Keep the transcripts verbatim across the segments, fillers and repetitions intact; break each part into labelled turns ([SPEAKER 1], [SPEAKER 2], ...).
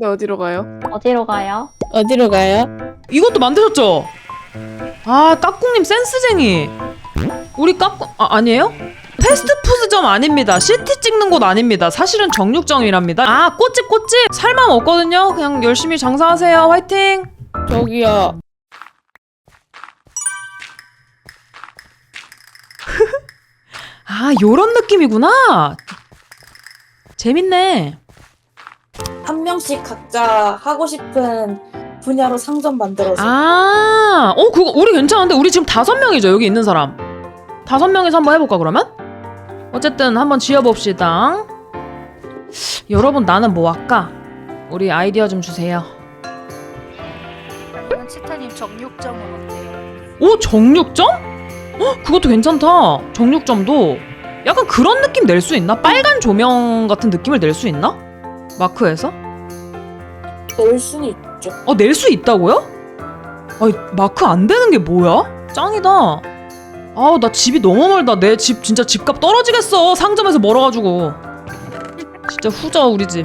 [SPEAKER 1] 근데 어디로 가요?
[SPEAKER 2] 어디로 가요?
[SPEAKER 3] 어디로 가요?
[SPEAKER 4] 이것도 만드셨죠? 아, 까꿍님 센스쟁이. 우리 까꿍 아, 아니에요? 패스트푸드점 아닙니다. 시티 찍는 곳 아닙니다. 사실은 정육점이랍니다. 아, 꽃집 꽃집 살만 없거든요. 그냥 열심히 장사하세요. 화이팅.
[SPEAKER 3] 저기요.
[SPEAKER 4] 아, 요런 느낌이구나. 재밌네.
[SPEAKER 5] 한 명씩 각자 하고 싶은 분야로 상점 만들어서
[SPEAKER 4] 아, 어, 그거 우리 괜찮은데? 우리 지금 다섯 명이죠, 여기 있는 사람. 다섯 명이서 한번 해볼까, 그러면? 어쨌든 한번 지어봅시다. 여러분, 나는 뭐 할까? 우리 아이디어 좀 주세요.
[SPEAKER 6] 아니면 치타님 정육점은 어때요?
[SPEAKER 4] 오, 정육점? 어, 그것도 괜찮다. 정육점도 약간 그런 느낌 낼 수 있나? 빨간 조명 같은 느낌을 낼 수 있나? 마크에서?
[SPEAKER 5] 낼 수는 있죠.
[SPEAKER 4] 어, 낼 수 있다고요? 아니, 마크 안 되는 게 뭐야? 짱이다. 아우, 나 집이 너무 멀다. 내 집 진짜 집값 떨어지겠어. 상점에서 멀어가지고. 진짜 후져, 우리 집.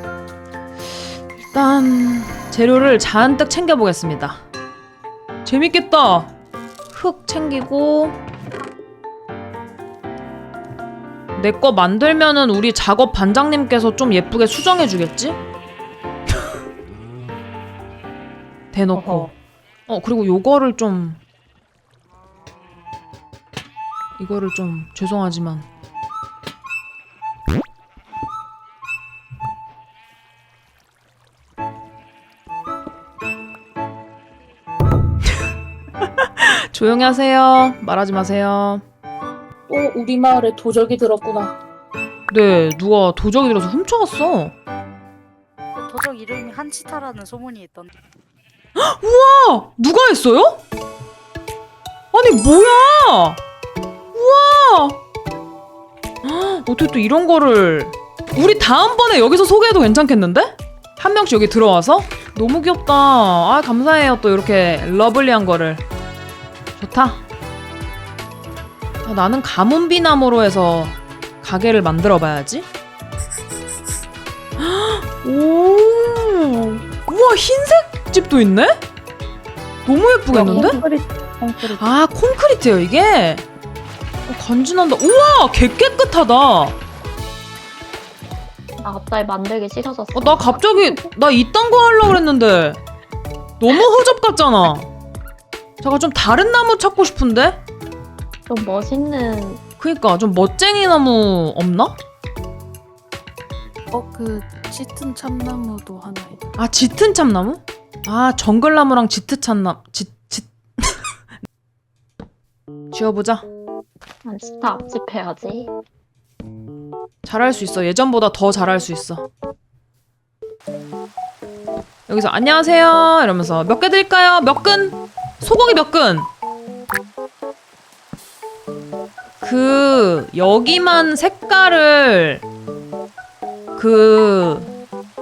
[SPEAKER 4] 일단 재료를 잔뜩 챙겨보겠습니다. 재밌겠다. 흙 챙기고. 내 거 만들면은 우리 작업 반장님께서 좀 예쁘게 수정해주겠지? 대놓고.
[SPEAKER 5] 어허.
[SPEAKER 4] 어, 그리고 요거를 좀 이거를 좀 죄송하지만 조용히 하세요. 말하지 마세요.
[SPEAKER 5] 또 우리 마을에 도적이 들었구나.
[SPEAKER 4] 네, 누가 도적이 들어서 훔쳐갔어.
[SPEAKER 6] 그 도적 이름이 한치타라는 소문이 있던데.
[SPEAKER 4] 우와! 누가 했어요? 아니, 뭐야! 우와! 헉, 어떻게 또 이런 거를. 우리 다음번에 여기서 소개해도 괜찮겠는데? 한 명씩 여기 들어와서? 너무 귀엽다. 아, 감사해요. 또 이렇게 러블리한 거를. 좋다. 아, 나는 가문비나무로 해서 가게를 만들어 봐야지. 헉, 오! 우와, 흰색 집도 있네? 너무 예쁘겠는데?
[SPEAKER 2] 콘크리트, 콘크리트.
[SPEAKER 4] 아, 콘크리트예요 이게? 어, 간지난다. 우와, 개 깨끗하다. 어,
[SPEAKER 2] 나 갑자기 만들기 싫어졌어.
[SPEAKER 4] 나 갑자기 나 이딴 거 하려고 그랬는데 너무 허접 같잖아. 잠깐 좀 다른 나무 찾고 싶은데?
[SPEAKER 2] 좀 멋있는.
[SPEAKER 4] 그니까 좀 멋쟁이 나무 없나?
[SPEAKER 1] 어, 그 짙은 참나무도 하나 있다.
[SPEAKER 4] 아, 짙은 참나무? 아, 정글나무랑 짙은 참나무. 짙, 짙. 지어보자.
[SPEAKER 2] 난 진짜 앞집 해야지.
[SPEAKER 4] 잘할 수 있어. 예전보다 더 잘할 수 있어. 여기서 안녕하세요 이러면서 몇 개 드릴까요? 몇 근? 소고기 몇 근? 그 여기만 색깔을 그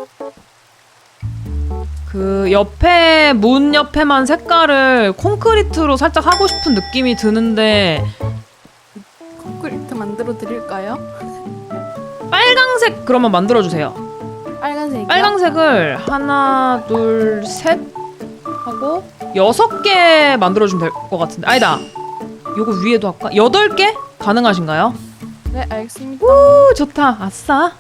[SPEAKER 4] 그 옆에 문 옆에만 색깔을 콘크리트로 살짝 하고 싶은 느낌이 드는데
[SPEAKER 1] 콘크리트 만들어 드릴까요?
[SPEAKER 4] 빨강색 그러면 만들어주세요.
[SPEAKER 1] 빨간색이요?
[SPEAKER 4] 빨강색을 하나 둘 셋 하고 여섯 개 만들어주면 될 것 같은데 아니다. 요거 위에도 할까? 여덟 개? 가능하신가요?
[SPEAKER 1] 네, 알겠습니다.
[SPEAKER 4] 오, 좋다. 아싸.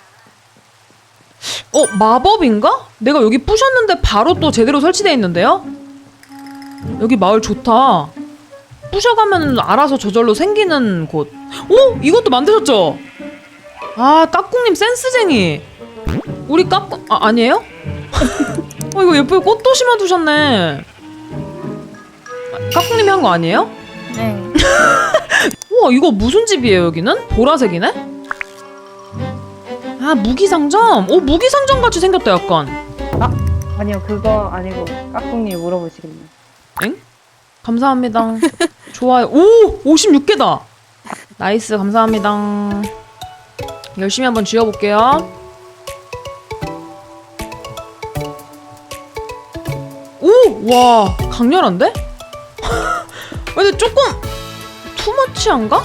[SPEAKER 4] 어, 마법인가? 내가 여기 부셨는데 바로 또 제대로 설치되어 있는데요? 여기 마을 좋다. 부셔가면 알아서 저절로 생기는 곳. 오! 이것도 만드셨죠? 아, 까꿍님 센스쟁이. 우리 까꿍... 아, 아니에요? 어, 이거 예쁘게 꽃도 심어두셨네. 아, 까꿍님이 한 거 아니에요?
[SPEAKER 6] 네.
[SPEAKER 4] 우와, 이거 무슨 집이에요, 여기는? 보라색이네? 아, 무기상점? 오, 무기상점 같이 생겼다, 약간.
[SPEAKER 7] 아니요, 그거 아니고 까꿍님 물어보시겠네요.
[SPEAKER 4] 엥? 감사합니다. 좋아요. 오! 오십육 개다! 나이스, 감사합니다. 열심히 한번 지어볼게요. 오! 와, 강렬한데? 근데 조금 투머치한가?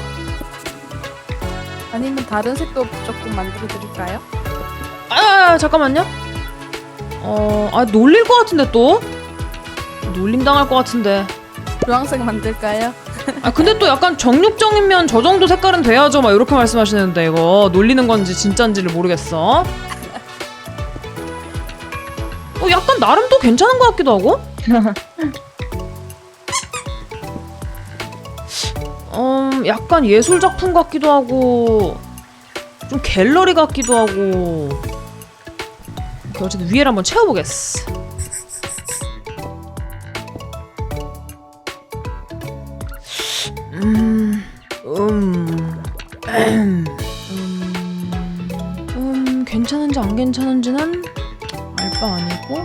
[SPEAKER 1] 아니면 다른 색도 조금 만들어 드릴까요?
[SPEAKER 4] 아, 잠깐만요. 어, 아 놀릴 것 같은데 또 놀림 당할 것 같은데.
[SPEAKER 1] 주황색 만들까요?
[SPEAKER 4] 아 근데 또 약간 정육점이면 저 정도 색깔은 돼야죠 막 이렇게 말씀하시는데 이거 놀리는 건지 진짠지를 모르겠어. 어 약간 나름 또 괜찮은 것 같기도 하고. 음 약간 예술 작품 같기도 하고 좀 갤러리 같기도 하고. 오케이, 어쨌든 위에를 한번 채워보겠어. 음, 음, 음, 음, 괜찮은지 안 괜찮은지는 알 바 아니고.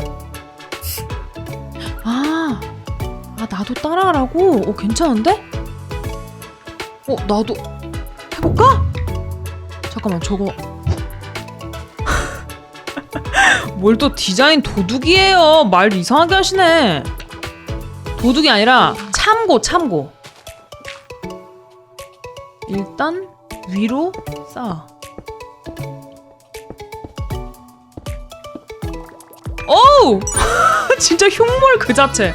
[SPEAKER 4] 아, 아 나도 따라하라고? 오 괜찮은데? 어 나도 해볼까? 잠깐만 저거 뭘 또 디자인 도둑이에요. 말 이상하게 하시네. 도둑이 아니라 참고 참고. 일단 위로 쌓아. 오우! 진짜 흉물 그 자체.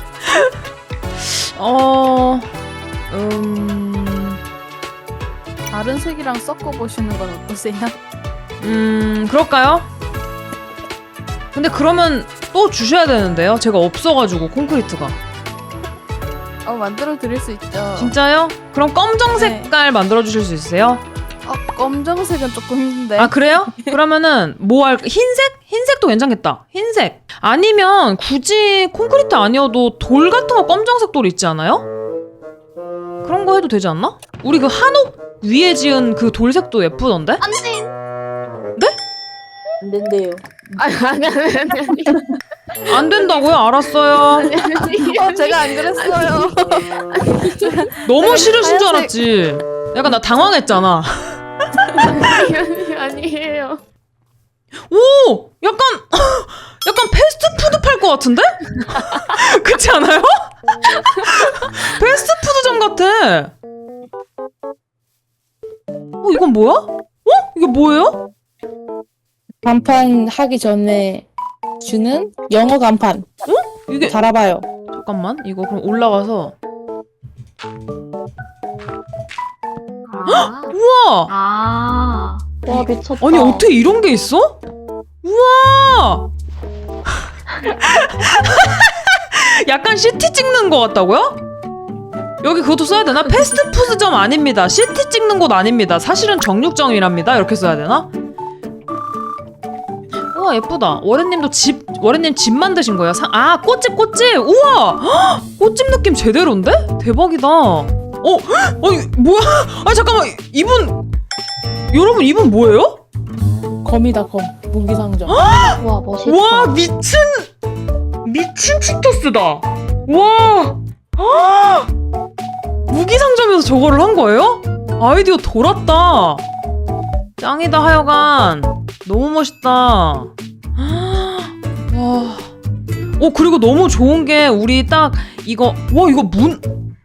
[SPEAKER 4] 어... 음...
[SPEAKER 1] 다른 색이랑 섞어보시는 건 어떠세요?
[SPEAKER 4] 음... 그럴까요? 근데 그러면 또 주셔야 되는데요? 제가 없어가지고 콘크리트가.
[SPEAKER 1] 어 만들어 드릴 수 있죠.
[SPEAKER 4] 진짜요? 그럼 검정
[SPEAKER 1] 네.
[SPEAKER 4] 색깔 만들어 주실 수 있어요?
[SPEAKER 1] 어 검정색은 조금 힘든데.
[SPEAKER 4] 아 그래요? 그러면은 뭐 할 흰색? 흰색도 괜찮겠다. 흰색. 아니면 굳이 콘크리트 아니어도 돌 같은 거 검정색 돌 있지 않아요? 그런 거 해도 되지 않나? 우리 그 한옥 위에 지은 그 돌색도 예쁘던데?
[SPEAKER 2] 안돼.
[SPEAKER 5] 안 된대요.
[SPEAKER 2] 아니 아니 아니 아니.
[SPEAKER 4] 안 된다고요? 알았어요.
[SPEAKER 1] 어 제가 안 그랬어요.
[SPEAKER 4] 너무 싫으신 줄
[SPEAKER 1] 하얀색-
[SPEAKER 4] 알았지. 약간 나 당황했잖아.
[SPEAKER 2] 아니 아니에요.
[SPEAKER 4] 오! 약간 약간 패스트푸드 팔 것 같은데? 그렇지 않아요? 패스트푸드점 같아. 어 이건 뭐야? 어? 이게 뭐예요?
[SPEAKER 8] 간판 하기 전에 주는 영어 간판.
[SPEAKER 4] 이게
[SPEAKER 8] 달아봐요.
[SPEAKER 4] 잠깐만 이거 그럼 올라가서
[SPEAKER 2] 아.
[SPEAKER 4] 우와!
[SPEAKER 2] 아. 와 미쳤다.
[SPEAKER 4] 아니 어떻게 이런 게 있어? 우와! 약간 시티 찍는 것 같다고요? 여기 그것도 써야 되나? 패스트푸드점 아닙니다. 시티 찍는 곳 아닙니다. 사실은 정육점이랍니다. 이렇게 써야 되나? 우와 예쁘다. 워렌님도 집 워렌님 집 만드신 거예요? 사, 아 꽃집 꽃집. 우와 헉, 꽃집 느낌 제대로인데? 대박이다. 어? 아니 뭐야? 아 잠깐만 이분 여러분 이분 뭐예요?
[SPEAKER 8] 검이다 검. 무기상점.
[SPEAKER 2] 와 멋있다.
[SPEAKER 4] 와 미친 미친 치토스다. 와 헉! 무기상점에서 저거를 한 거예요? 아이디어 돌았다. 짱이다 하여간 너무 멋있다. 와. 어 그리고 너무 좋은 게 우리 딱 이거 와 이거 문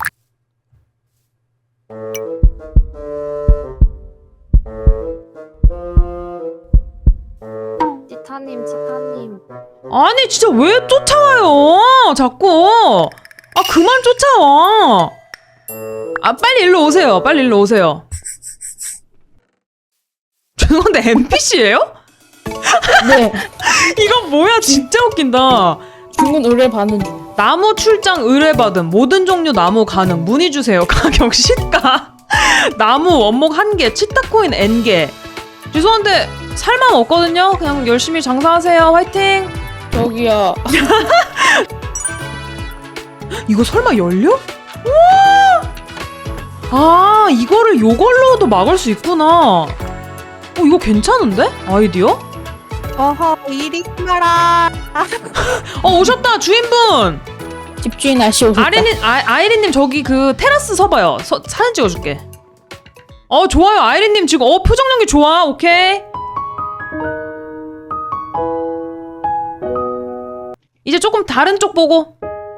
[SPEAKER 2] 치타님 치타님.
[SPEAKER 4] 아니 진짜 왜 쫓아와요 자꾸. 아 그만 쫓아와. 아 빨리 일로 오세요. 빨리 일로 오세요. 죄송한데 엠피씨예요?
[SPEAKER 8] 네.
[SPEAKER 4] 이건 뭐야 진짜 웃긴다.
[SPEAKER 8] 주문 의뢰 받는 중.
[SPEAKER 4] 나무 출장 의뢰받음 모든 종류 나무 가능 문의 주세요. 가격 시가 나무 원목 한 개 치타코인 N 개. 죄송한데 살 맘 없거든요. 그냥 열심히 장사하세요. 화이팅.
[SPEAKER 8] 저기요.
[SPEAKER 4] 이거 설마 열려? 우와! 아 이거를 요걸로도 막을 수 있구나. 어 이거 괜찮은데? 아이디어?
[SPEAKER 1] 어허 이리 마라.
[SPEAKER 4] 어 오셨다 주인분.
[SPEAKER 8] 집주인 아씨 오셨다.
[SPEAKER 4] 아이린 아, 아이린님 저기 그 테라스 서봐요. 서, 사진 찍어줄게. 어 좋아요 아이린님 지금 어 표정 연기 좋아. 오케이. 이제 조금 다른 쪽 보고.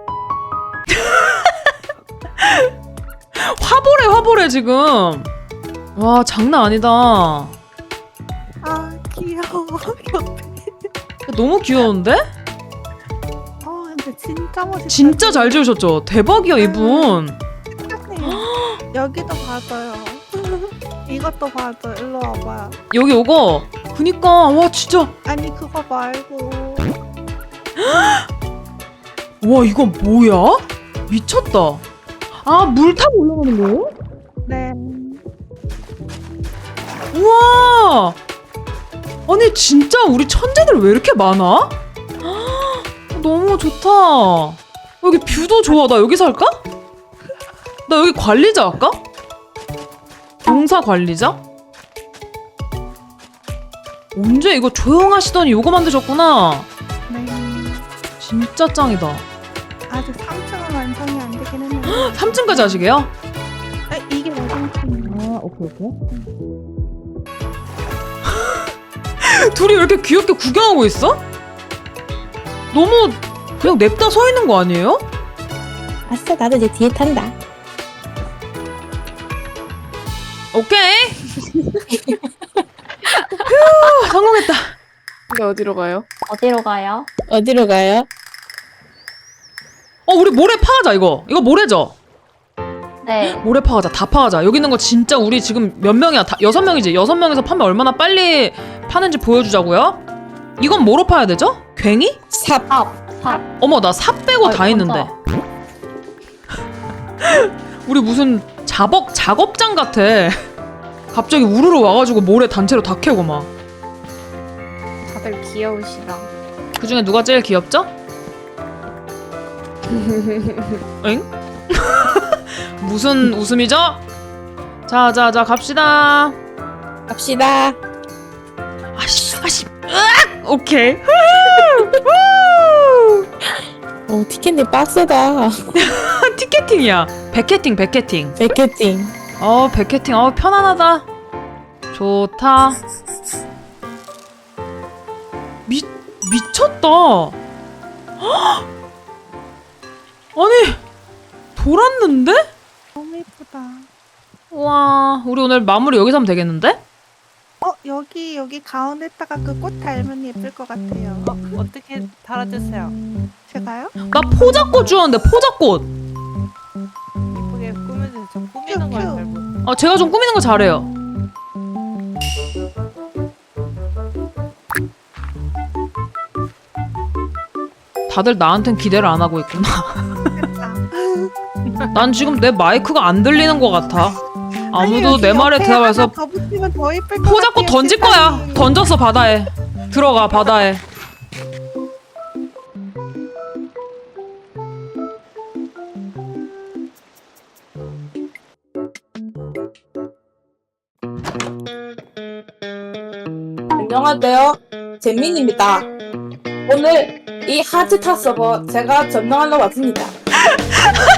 [SPEAKER 4] 화보래 화보래 지금. 와 장난 아니다.
[SPEAKER 1] 아 귀여워.
[SPEAKER 4] 너무 귀여운데?
[SPEAKER 9] 어 근데 진짜 멋있다.
[SPEAKER 4] 진짜 잘 지으셨죠? 대박이야 이분.
[SPEAKER 9] 여기도 봐줘요. 이것도 봐줘. 일로 와봐.
[SPEAKER 4] 여기 오고. 그니까 와 진짜.
[SPEAKER 9] 아니 그거 말고.
[SPEAKER 4] 와 이건 뭐야? 미쳤다. 아 물 타고 올라가는 거예요?
[SPEAKER 9] 네.
[SPEAKER 4] 우와. 아니 진짜 우리 천재들 왜 이렇게 많아? 너무 좋다. 여기 뷰도 좋아. 나 여기 살까? 나 여기 관리자 할까? 동사 관리자? 언제 이거 조용하시더니 요거 만드셨구나.
[SPEAKER 9] 네.
[SPEAKER 4] 진짜 짱이다.
[SPEAKER 9] 아직 삼 층은 완성이 안 되긴 했는데.
[SPEAKER 4] 삼 층까지 하시게요?
[SPEAKER 9] 아, 이게 완성층이에요.
[SPEAKER 4] 아 오케이 오케이. 둘이 왜 이렇게 귀엽게 구경하고 있어? 너무 그냥 냅다 서 있는 거 아니에요?
[SPEAKER 8] 아싸, 나도 이제 뒤에 탄다.
[SPEAKER 4] 오케이. 휴, 성공했다.
[SPEAKER 1] 근데 어디로 가요?
[SPEAKER 2] 어디로 가요?
[SPEAKER 8] 어디로 가요?
[SPEAKER 4] 어, 우리 모래 파하자 이거. 이거 모래죠?
[SPEAKER 2] 네.
[SPEAKER 4] 모래 파하자. 다 파하자. 여기 있는 거 진짜 우리 지금 몇 명이야? 다, 여섯 명이지? 여섯 명에서 파면 얼마나 빨리 파는지 보여주자고요. 이건 뭐로 파야 되죠? 괭이?
[SPEAKER 8] 삽.
[SPEAKER 2] 삽. 삽.
[SPEAKER 4] 어머 나 삽 빼고
[SPEAKER 2] 아,
[SPEAKER 4] 다 했는데. 우리 무슨 작업, 작업장 같아. 갑자기 우르르 와가지고 모래 단체로 다 캐고 막.
[SPEAKER 2] 다들 귀여우시다.
[SPEAKER 4] 그 중에 누가 제일 귀엽죠? 엥? 무슨 웃음이죠? 자, 자, 자, 갑시다.
[SPEAKER 8] 갑시다.
[SPEAKER 4] 아씨, 아씨, 으악! 오케이.
[SPEAKER 8] 어, 티켓님 빡세다.
[SPEAKER 4] 티켓팅이야. 백캐팅, 백캐팅.
[SPEAKER 8] 백캐팅.
[SPEAKER 4] 어, 백캐팅. 어, 편안하다. 좋다. 미, 미쳤다. 헉! 아니, 돌았는데?
[SPEAKER 9] 너무 예쁘다.
[SPEAKER 4] 와, 우리 오늘 마무리 여기서 하면 되겠는데?
[SPEAKER 9] 어 여기 여기 가운데다가 그 꽃 달면 예쁠 것 같아요.
[SPEAKER 6] 어, 어떻게 달아주세요.
[SPEAKER 9] 제가요?
[SPEAKER 4] 나 포자꽃 주웠는데, 포자꽃.
[SPEAKER 6] 예쁘게 꾸며주세요. 저 꾸미는 걸 잘 못.
[SPEAKER 4] 아, 제가 좀 꾸미는 거 잘해요. 다들 나한텐 기대를 안 하고 있구나. 난 지금 내 마이크가 안 들리는 것 같아. 아무도 내 말에 대답해서
[SPEAKER 9] 더 붙이면 더 예쁠 것
[SPEAKER 4] 포자꽃
[SPEAKER 9] 같아요,
[SPEAKER 4] 던질 거야.
[SPEAKER 9] 세상에.
[SPEAKER 4] 던졌어, 바다에. 들어가, 바다에.
[SPEAKER 5] 안녕하세요. 잼민입니다. 오늘 이 하즈타 서버 제가 점령하러 왔습니다.